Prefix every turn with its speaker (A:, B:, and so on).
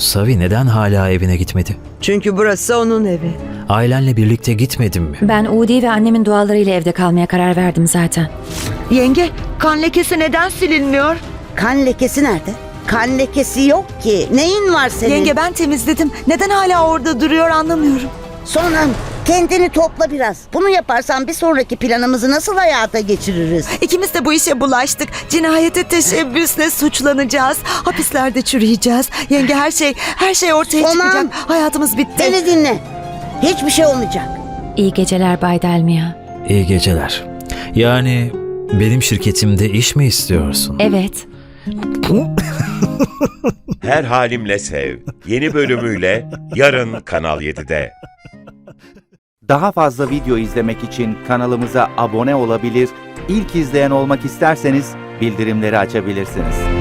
A: Savi neden hala evine gitmedi?
B: Çünkü burası onun evi.
A: Ailenle birlikte gitmedin mi?
C: Ben Udi ve annemin dualarıyla evde kalmaya karar verdim zaten.
D: Yenge, kan lekesi neden silinmiyor?
E: Kan lekesi nerede? Kan lekesi yok ki. Neyin var senin?
D: Yenge ben temizledim. Neden hala orada duruyor anlamıyorum.
E: Sonam, kendini topla biraz. Bunu yaparsan bir sonraki planımızı nasıl hayata geçiririz?
D: İkimiz de bu işe bulaştık. Cinayete teşebbüsle suçlanacağız. Hapislerde çürüyeceğiz. Yenge her şey ortaya
E: Tamam.
D: çıkacak. Hayatımız bitti.
E: Beni dinle. Hiçbir şey olmayacak.
C: İyi geceler Bay Delmia.
A: İyi geceler. Yani benim şirketimde iş mi istiyorsun?
C: Evet.
F: Her Halimle Sev yeni bölümüyle yarın Kanal 7'de.
G: Daha fazla video izlemek için kanalımıza abone olabilir, ilk izleyen olmak isterseniz bildirimleri açabilirsiniz.